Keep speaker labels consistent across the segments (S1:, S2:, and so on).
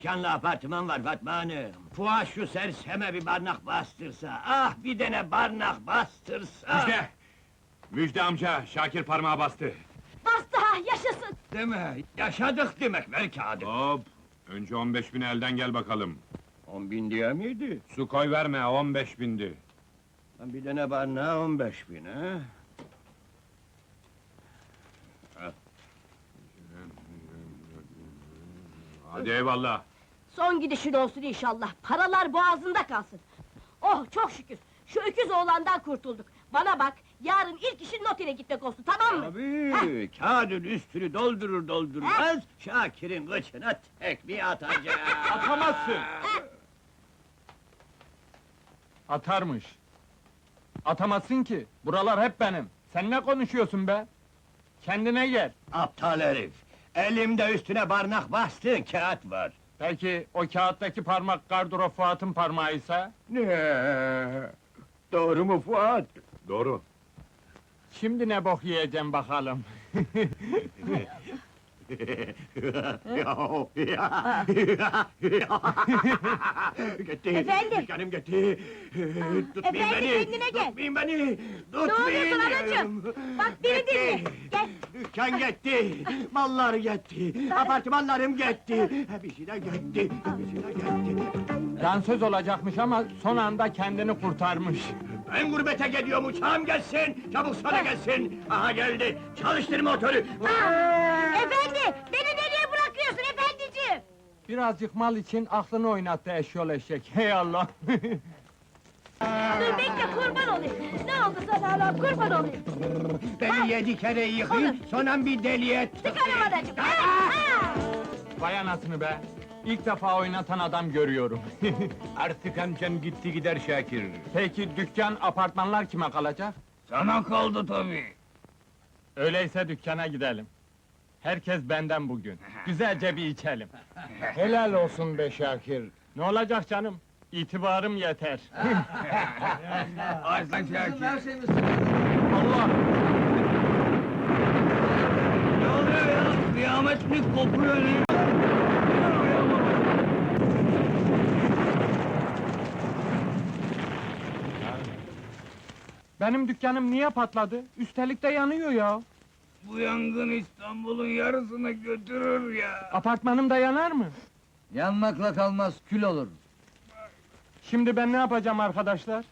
S1: Canlı apartman var Fatma Hanım. Fuat şu serseme bir barnak bastırsa, ah bir tane barnak bastırsa!
S2: Müjde! Müjde amca, Şakir parmağı bastı.
S3: Bastı ha, yaşasın!
S1: Değil mi? Yaşadık demek, ver kağıdı.
S2: Hop! Önce 15.000 elden gel bakalım.
S1: 10.000 diye miydi?
S2: Su koy verme, 15.000'di.
S1: Lan bir tane barnağa 15.000 ha?
S2: Hadi eyvallah.
S3: Son gidişin olsun inşallah, paralar boğazında kalsın! Oh, çok şükür! Şu öküz oğlandan kurtulduk! Bana bak, yarın ilk işin notere gitmek olsun, tamam mı?
S1: Tabii, kağıdın üstünü doldurur doldurmaz, Şakir'in kıçına tekmeyi atacak!
S4: Atamazsın! Atarmış. Atamazsın ki, buralar hep benim. Sen ne konuşuyorsun be? Kendine gel.
S1: Aptal herif! Elimde üstüne barnak bastığın kağıt var!
S4: Peki, o kağıttaki parmak Garduro Fuat'ın parmağıysa?
S1: Ne? Doğru mu Fuat?
S2: Doğru.
S4: Şimdi ne bok yiyeceğim bakalım.
S1: Gitti!
S3: Efendim?
S1: Dükkanım gitti! Tutmayın
S3: Efendim,
S1: beni!
S3: kendine gel!
S1: Tutmayın beni!
S3: Ne oluyorsun anacığım? Bak beni dinle! Gel!
S1: Dükkan gitti! Mallar gitti! Apartmanlarım gitti! Bir şeyler gitti! Bir şeyler gitti!
S4: Dansöz olacakmış ama son anda kendini kurtarmış.
S1: Ben gurbete gidiyorum, uçağım gelsin! Çabuk sana gelsin! Aha geldi! Çalıştır motoru!
S3: Efendi! Beni nereye bırakıyorsun efendiciğim?
S4: Birazcık mal için aklını oynattı eşyol eşek, hey Allah!
S3: Dur bekle, kurban olayım! Ne oldu sana Allah'ım, kurban olayım!
S1: Beni 7 kere yıkayın, sonra bir deli et!
S3: Sıkarım anacığım! Ha!
S4: Vay anasını be! İlk defa oynatan adam görüyorum.
S2: Artık amcan gitti gider Şakir.
S4: Peki dükkan, apartmanlar kime kalacak?
S1: Sana kaldı tabii!
S4: Öyleyse dükkana gidelim. Herkes benden bugün. Güzelce bir içelim. Helal olsun be Şakir. Ne olacak canım? İtibarım yeter.
S1: Aslan Şakir!
S4: Allah!
S1: Ne oluyor ya? Kıyamet mi kopuyor ne?
S4: Benim dükkanım niye patladı? Üstelik de yanıyor ya.
S1: Bu yangın İstanbul'un yarısını götürür ya!
S4: Apartmanım da yanar mı?
S5: Yanmakla kalmaz, kül olur.
S4: Şimdi ben ne yapacağım arkadaşlar?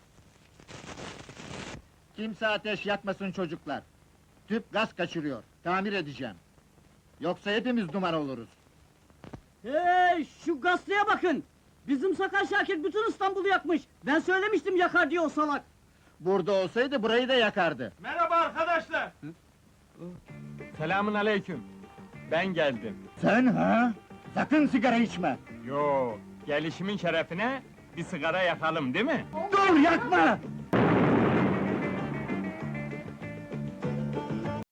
S5: Kimse ateş yakmasın çocuklar. Tüp gaz kaçırıyor, tamir edeceğim. Yoksa hepimiz duman oluruz.
S6: Hey, şu gazeteye bakın! Bizim Sakar Şakir bütün İstanbul'u yakmış! Ben söylemiştim yakar diye o salak!
S5: Burada olsaydı burayı da yakardı.
S4: Merhaba arkadaşlar! Selamun aleyküm. Ben geldim.
S5: Sen ha? Sakın sigara içme!
S4: Yo, gelişimin şerefine bir sigara yakalım değil mi?
S5: Dur yakma!